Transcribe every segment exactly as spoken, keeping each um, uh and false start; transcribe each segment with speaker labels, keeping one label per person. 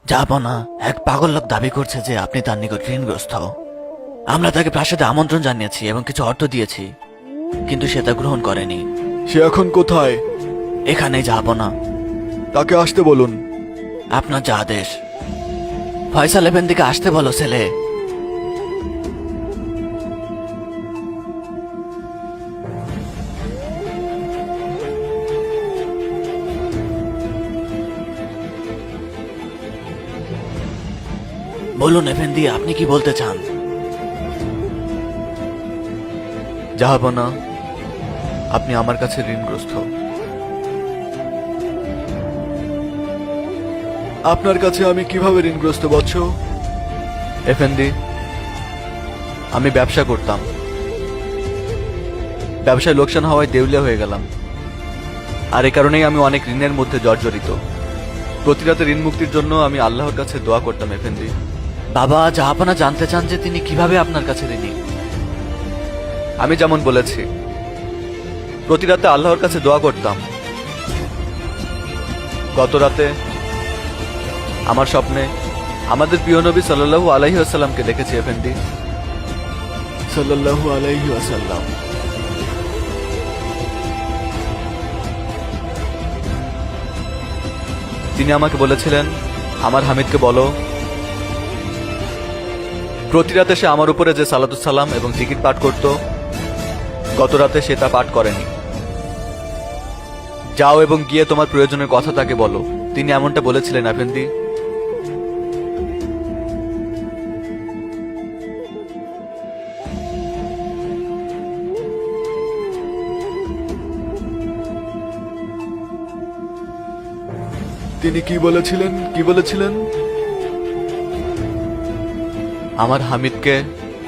Speaker 1: যাবো না। এক পাগল লোক দাবি করছে যে আপনি তার নিকট ঋণগ্রস্ত। আমরা তাকে প্রাসাদে আমন্ত্রণ জানিয়েছি এবং কিছু অর্থ দিয়েছি, কিন্তু সে তা গ্রহণ করেনি।
Speaker 2: সে এখন কোথায়?
Speaker 1: এখানে যাবো না।
Speaker 2: তাকে আসতে বলুন।
Speaker 1: আপনার যা আদেশ। ফয়সাল এফেন্দিকে আসতে বলো ছেলে। বলুন এফেন্দি, আপনি কি বলতে চান?
Speaker 2: জাহাপনা, আপনি আমার কাছে ঋণগ্রস্ত। আপনার কাছে আমি কিভাবে ঋণগ্রস্ত বৎস? এফেন্দি, আমি ব্যবসা করতাম। ব্যবসায় লোকসান হওয়ায় দেউলিয়া হয়ে গেলাম, আর এ কারণেই আমি অনেক ঋণের মধ্যে জর্জরিত। প্রতি রাতে ঋণ মুক্তির জন্য আমি আল্লাহর কাছে দোয়া করতাম এফেন্দি।
Speaker 1: বাবা, জাহাপনা জানতে চান যে তিনি কিভাবে আপনার কাছে ঋণী।
Speaker 2: আমি যেমন বলেছি, প্রতি রাতে আল্লাহর কাছে দোয়া করতাম। গত রাতে আমার স্বপ্নে আমাদের প্রিয় নবী সাল্লাল্লাহু আলাইহি ওয়াসাল্লামকে দেখেছি এফেন্দি। সাল্লাল্লাহু আলাইহি ওয়াসাল্লাম। তিনি আমাকে বলেছিলেন, আমার হামিদকে বলো প্রতি রাতে সে আমার উপরে যে সালাতুস সালাম এবং জিকির পাঠ করত, গত রাতে সে তা পাঠ করেনি। যাও এবং গিয়ে তোমার প্রয়োজনের কথা তাকে বলো। তিনি এমনটা বলেছিলেন আফেন্দি। তিনি কি বলেছিলেন? কি বলেছিলেন? আমার হামিদকে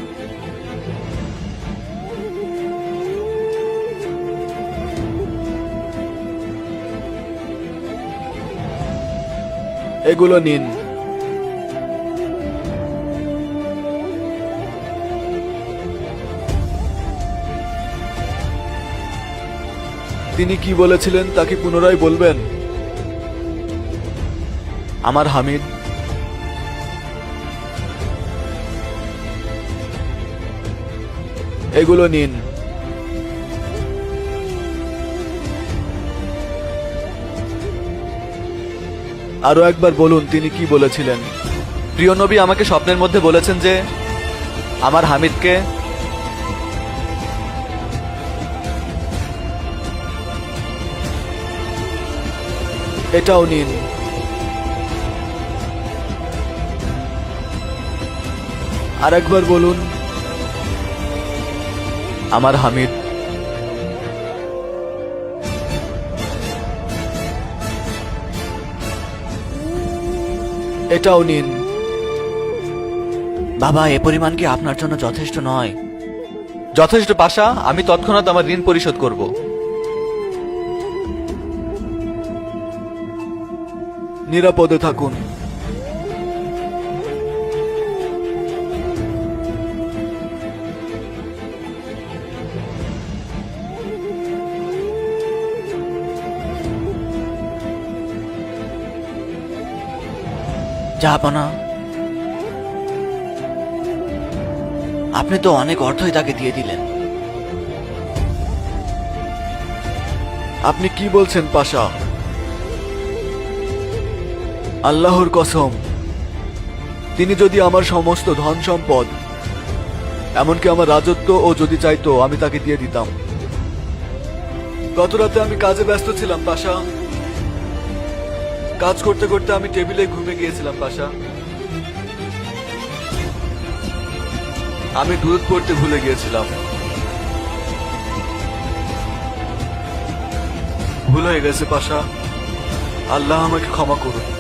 Speaker 2: এগুলো নিন। তিনি কি বলেছিলেন তা কি পুনরায় বলবেন? আমার হামিদ এগুলো নিন। আরো একবার বলুন তিনি কি বলেছিলেন। প্রিয় নবী আমাকে স্বপ্নের মধ্যে বলেছেন যে আমার হামিদকে এটাও নিন। আর একবার বলুন আমার হামিদ এটাও নিন।
Speaker 1: বাবা, এ পরিমাণ কি আপনার জন্য যথেষ্ট নয়?
Speaker 2: যথেষ্ট পাশা, আমি তৎক্ষণাৎ আমার ঋণ পরিশোধ করব। নিরাপদে থাকুন।
Speaker 1: জাহাপনা, আপনি তো অনেক অর্থই তাকে দিয়ে দিলেন।
Speaker 2: আপনি কি বলছেন পাশা? আল্লাহর কসম, তিনি যদি আমার সমস্ত ধন সম্পদ, এমনকি আমার রাজত্ব ও যদি চাইতো আমি তাকে দিয়ে দিতাম। গত রাতে আমি কাজে ব্যস্ত ছিলাম পাশা। কাজ করতে করতে আমি টেবিলে ঘুমে গিয়েছিলাম পাশা। আমি দুধ পড়তে ভুলে গিয়েছিলাম। ভুল হয়ে গেছে পাশা। আল্লাহ আমাকে ক্ষমা করুন।